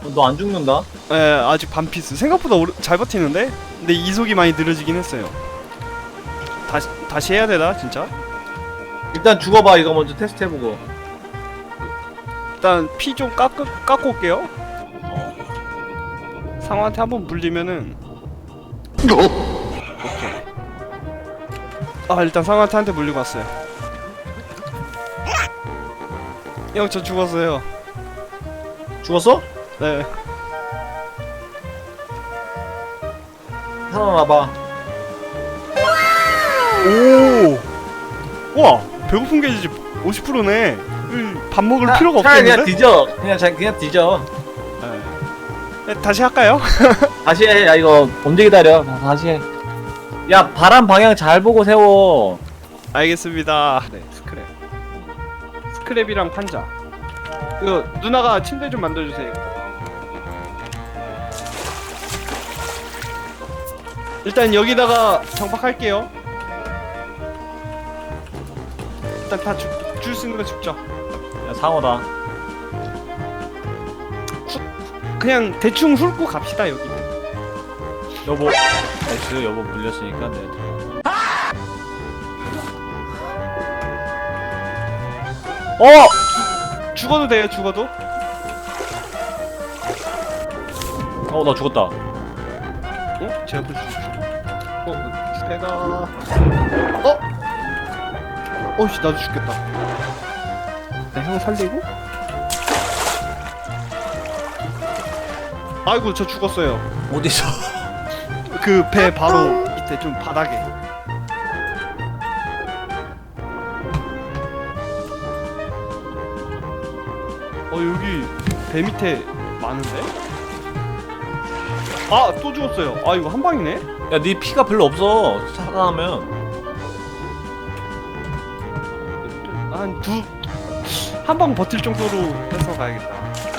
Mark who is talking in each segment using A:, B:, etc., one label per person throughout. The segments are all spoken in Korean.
A: 너 안 죽는다?
B: 예, 아직 반피스. 생각보다 잘 버티는데? 근데 이속이 많이 느려지긴 했어요. 다시 해야 되나 진짜?
A: 일단 죽어봐. 이거 먼저 테스트 해보고.
B: 일단 피 좀 깎고 올게요. 상어한테 한번 물리면은 오케이. 아, 일단 상어한테 한 대 물리고 왔어요. 형, 저 죽었어요.
A: 죽었어?
B: 네.
A: 살아나봐.
B: 오! 와! 배고픈 게 이제 50%네. 밥 먹을 필요가
A: 차라리
B: 없겠는데?
A: 그냥 뒤져. 그냥 뒤져.
B: 네, 다시 할까요?
A: 다시 해. 야, 이거 언제 기다려? 다시 해. 야, 바람 방향 잘 보고 세워.
B: 알겠습니다. 네, 스크랩이랑 판자. 이거 누나가 침대 좀 만들어주세요. 일단 여기다가 정박할게요. 일단 다 줄 수 있는 거 죽죠.
A: 야, 상어다.
B: 그냥 대충 훑고 갑시다. 여기.
A: 여보. 나이스. 여보 물렸으니까 내가 들어가.
B: 죽어도 돼요. 죽어도.
A: 나 죽었다.
B: 어? 제가 또 죽었어. 제가. 어이씨, 나도 죽겠다. 형 살리고? 아이고, 저 죽었어요.
A: 어디서?
B: 그 배 바로 밑에 좀 바닥에. 여기 배 밑에 많은데? 아, 또 죽었어요. 아, 이거 한 방이네?
A: 야, 네 피가 별로 없어. 살아나면.
B: 한 방 버틸 정도로 해서 가야겠다.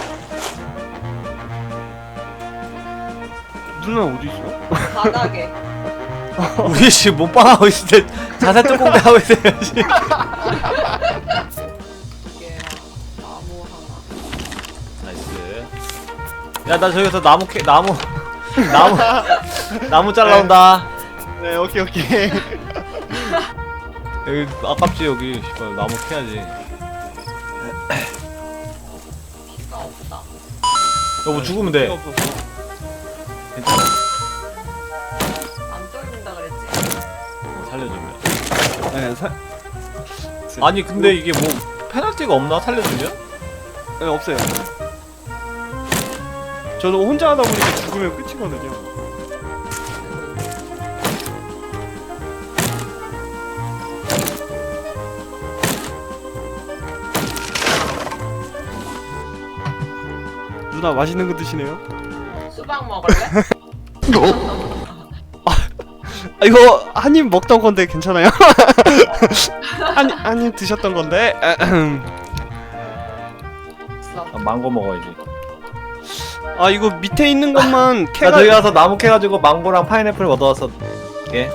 B: 누나 어디 있어?
C: 바닥에.
A: 우리 씨 몸빵하고 있을 때 자세 뚜껑대 하고 있어야지.
C: 이게 나무 하나.
A: 나이스. 야, 나 저기서 나무 잘라온다.
B: 네, 오케이.
A: 여기 아깝지 여기. 씨발 나무 캐야지.
C: 피가 없다.
A: 여보 죽으면 돼. 괜찮아.
C: 안 떨린다 그랬지?
A: 살려주면.
B: 네,
A: 아니 근데 이게 뭐 페널티가 없나 살려주면?
B: 네, 없어요. 저도 혼자 하다 보니까 죽으면 끝이거든요. 누나 맛있는 거 드시네요?
C: 수박 먹을래?
B: 이거 한 입 먹던 건데 괜찮아요? 한 입 드셨던 건데.
A: 망고 먹어야지.
B: 아, 이거 밑에 있는 것만
A: 나
B: 캐가.
A: 저기 가서 나무 캐가지고 망고랑 파인애플 얻어왔어. 예?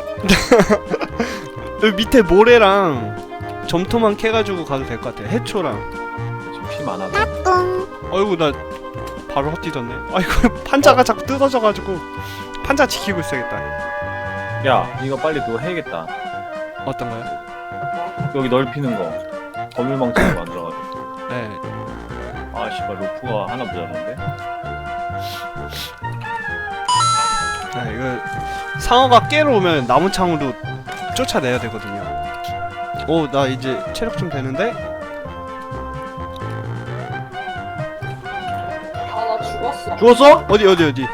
B: 여기 밑에 모래랑 점토만 캐가지고 가도 될 것 같아요. 해초랑.
A: 지금 피 많아.
B: 어이구, 나 바로 헛디졌네. 아이고, 판자가 자꾸 뜯어져가지고 판자 지키고 있어야겠다.
A: 야, 이거 빨리 그거 해야겠다.
B: 어떤가요?
A: 여기 넓히는 거. 거물망치로 만들어가지고.
B: 네.
A: 아, 씨발 로프가 하나 모자란데?
B: 아, 이거 상어가 깨러 오면 나무창으로 쫓아내야 되거든요. 오, 나 이제 체력 좀 되는데?
C: 아, 나 죽었어.
A: 죽었어?
B: 어디?
C: 밑에.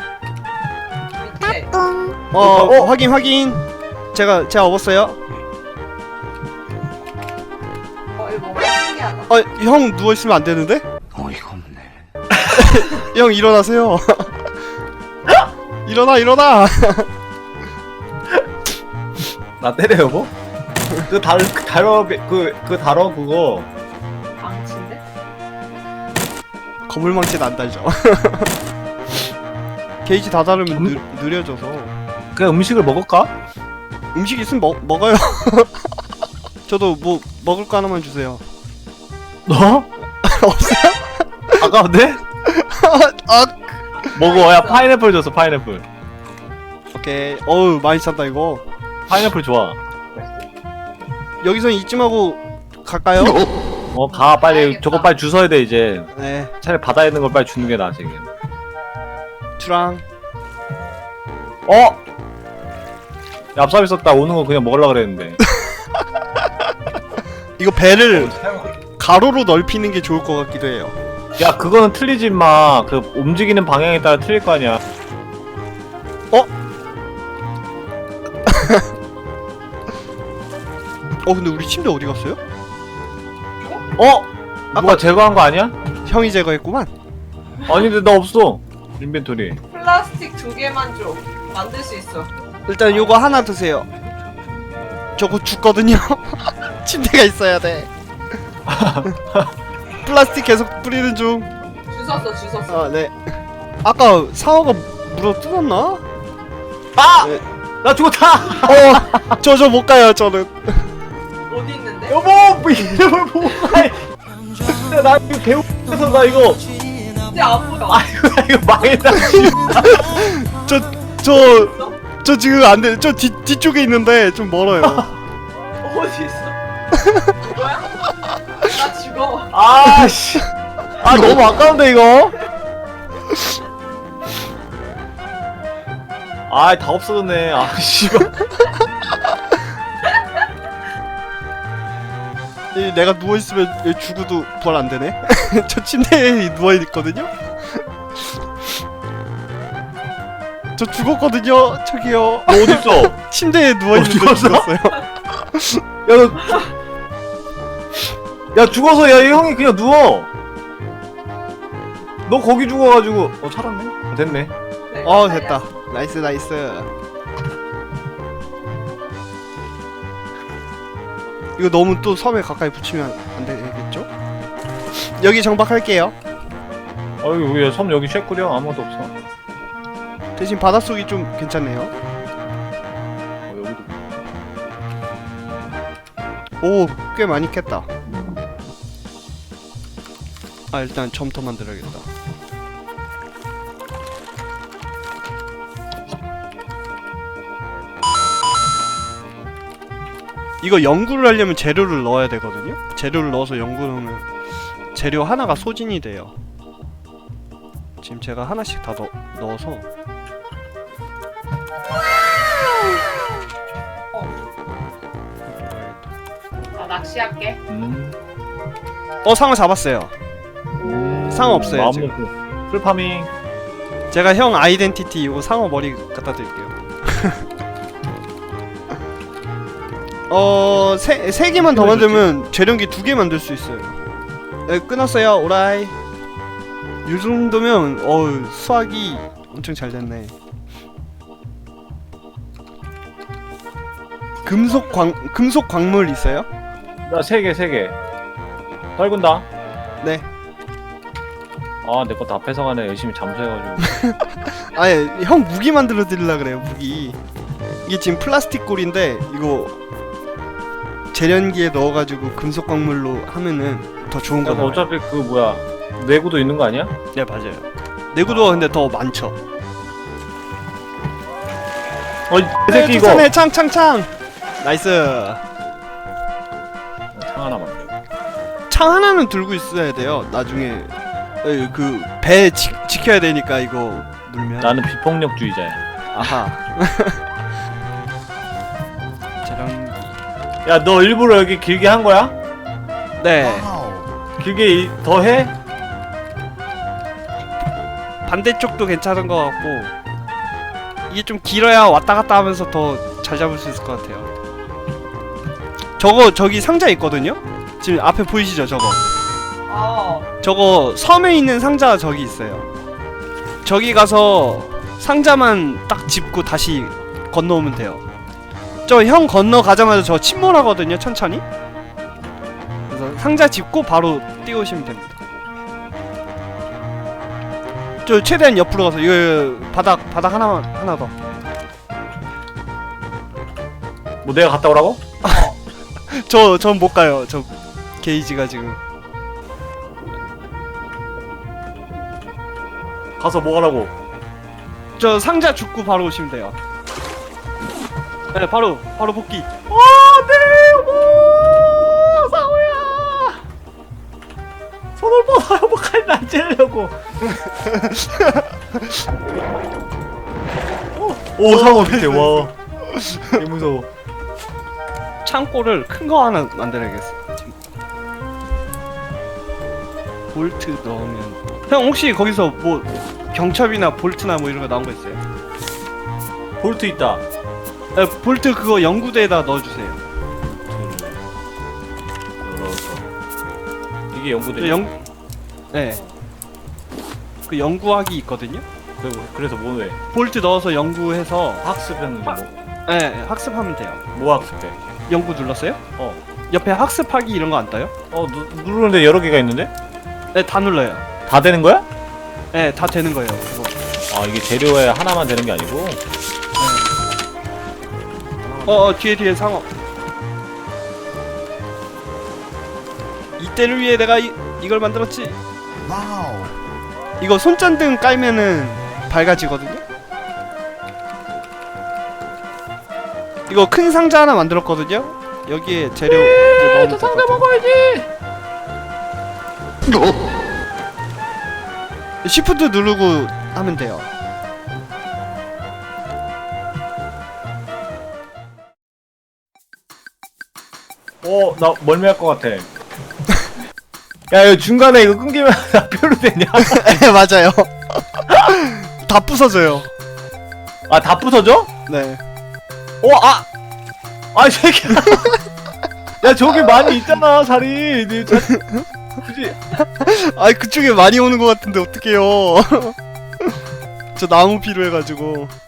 B: 확인. 제가 업었어요.
C: 이거 뭔가 신기하다.
B: 형 누워있으면 안 되는데?
A: 어이가 없네.
B: 형 일어나세요. 일어나.
A: 나 때려 여보? 그 다뤄 그거.
C: 망치인데?
B: 거물망치는 안 달죠. 게이지 다 다르면 느려져서.
A: 그냥 음식을 먹을까?
B: 음식 있으면 먹어요. 저도 뭐 먹을 거 하나만 주세요.
A: 너?
B: 없어요?
A: 아까운데?
B: 아,
A: 먹어. 야 파인애플 줬어. 파인애플.
B: 오케이. 어우 많이 쌌다 이거.
A: 파인애플 좋아.
B: 여기서 이쯤하고 갈까요?
A: 가 빨리.
C: 가야겠다.
A: 저거 빨리 주워야 돼 이제.
B: 네.
A: 차라리 바다에 있는 걸 빨리 주는 게 나아 지금.
B: 주랑.
A: 얍삽 있었다. 오는 거 그냥 먹으려 그랬는데.
B: 이거 배를 가로로 넓히는 게 좋을 것 같기도 해요.
A: 야 그거는 틀리지 마. 그 움직이는 방향에 따라 틀릴 거 아니야.
B: 근데 우리 침대 어디 갔어요?
A: 누가 제거한 거 아니야?
B: 형이 제거했구만.
A: 아니 근데 나 없어. 인벤토리.
C: 플라스틱 2개만 줘. 만들 수 있어.
B: 일단 요거 하나 드세요. 저거 죽거든요. 침대가 있어야 돼. 플라스틱 계속 뿌리는 중.
C: 주웠어.
B: 아, 네. 아까 상어가 물어 뜯었나?
A: 아!
B: 네.
A: 나 죽었다!
B: 저 못 가요, 저는.
C: 어디 있는데?
A: 여보! 뭐 이름을 보고 가! 나 이거 배고파서 나 이거
C: 근데 안 보여.
A: 아이고 나 이거 망했다.
B: 저 지금 안 돼. 저 뒤쪽에 있는데 좀 멀어요.
C: 어디 있어? 이거야? 나 죽어.
A: 아씨. 아 너무 아까운데 이거. 다 없어졌네. 씨발.
B: 내가 누워있으면 얘 죽어도 부활 안 되네? 저 침대에 누워있거든요? 저 죽었거든요? 저기요.
A: 너 어딨어?
B: 침대에 누워있는데
A: 죽었어?
B: 죽었어요.
A: 야 죽어서 야 이 형이 그냥 누워. 너 거기 죽어가지고 살았네. 됐네.
C: 내가
B: 됐다.
C: 살렸어.
B: 나이스. 이거 너무 또 섬에 가까이 붙이면 안 되겠죠? 여기 정박할게요.
A: 여기 왜섬 여기 쉐꾸려 아무것도 없어.
B: 대신 바닷속이 좀 괜찮네요.
A: 여기도.
B: 오, 꽤 많이 캤다. 일단 점토 만들어야겠다. 이거 연구를 하려면 재료를 넣어야 되거든요? 재료를 넣어서 연구 넣으면 재료 하나가 소진이 돼요. 지금 제가 하나씩 다 넣어서
C: 나 낚시할게.
B: 상어 잡았어요. 상어 없어요,
A: 마음
B: 지금.
A: 놓고. 풀파밍.
B: 제가 형 아이덴티티 이거 상어 머리 갖다 드릴게요. 세 개만 더 만들면 재련기 2개 만들 수 있어요. 네, 끊었어요. 오라이. 이 정도면 수학이 엄청 잘 됐네. 금속 광물 있어요?
A: 나 3개. 떨군다.
B: 네.
A: 내 거 다 뺏어가네. 열심히 잠수해가지고.
B: 아예 형 무기 만들어 드리려 그래요. 무기. 이게 지금 플라스틱 골인데 이거 재련기에 넣어가지고 금속 광물로 하면은 더 좋은 거 나와요.
A: 어차피 그 뭐야 내구도 있는 거 아니야?
B: 네 맞아요. 내구도가 근데 더 많죠.
A: 이 새끼 이거.
B: 네, 창. 나이스.
A: 창 하나 만들고.
B: 창 하나는 들고 있어야 돼요. 나중에 그 배 지켜야 되니까 이거 물면.
A: 나는 비폭력주의자야.
B: 아하. 재련기.
A: 야 너 일부러 여기 길게 한 거야?
B: 네.
A: 길게 더 해?
B: 반대쪽도 괜찮은 것 같고 이게 좀 길어야 왔다 갔다 하면서 더 잘 잡을 수 있을 것 같아요. 저기 상자 있거든요? 지금 앞에 보이시죠 저거? 저거 섬에 있는 상자 저기 있어요. 저기 가서 상자만 딱 짚고 다시 건너오면 돼요. 저 형 건너가자마자 저 침몰하거든요 천천히? 그래서 상자 짚고 바로 뛰어오시면 됩니다. 저 최대한 옆으로 가서 이거 바닥 하나 더.
A: 뭐 내가 갔다 오라고?
B: 전 못 가요. 저 게이지가 지금.
A: 가서 뭐 하라고?
B: 저 상자 줍고 바로 오시면 돼요. 네, 바로 복귀.
A: 안돼 여보 상호야. 손을 뻗어 여보 칼 안 찌르려고. 오 상호 밑에 와. 개 무서워.
B: 창고를 큰 거 하나 만들어야겠어. 볼트 넣으면 형 혹시 거기서 뭐 경첩이나 볼트나 뭐 이런 거 나온 거 있어요?
A: 볼트 있다.
B: 네, 볼트 그거 연구대에다 넣어주세요.
A: 열어서. 이게 연구대.
B: 네. 그 연구하기 있거든요.
A: 그래서 뭐 해?
B: 볼트 넣어서 연구해서
A: 학습했는데 뭐?
B: 네, 학습하면 돼요.
A: 뭐 학습해?
B: 연구 눌렀어요?
A: 어.
B: 옆에 학습하기 이런 거 안 떠요?
A: 누르는데 여러 개가 있는데?
B: 네, 다 눌러요.
A: 다 되는 거야?
B: 네, 다 되는 거예요. 그거.
A: 아 이게 재료에 하나만 되는 게 아니고?
B: 뒤에 상어. 이때를 위해 내가 이걸 만들었지.
D: 와우.
B: 이거 손전등 깔면은 밝아지거든요. 이거 큰 상자 하나 만들었거든요. 여기에 재료 이제 넣으면 될 것 같아요.
A: 먹어야지.
B: 시프트 누르고 하면 돼요.
A: 나 멀미할 것 같아. 야, 이거 중간에 이거 끊기면 나 뼈로 되냐?
B: 네, 맞아요. 다 부서져요.
A: 아, 다 부서져?
B: 네.
A: 이 새끼야. 야, 저기 많이 있잖아, 살이. 그지?
B: 아, 그쪽에 많이 오는 것 같은데 어떡해요. 저 나무 필요해가지고.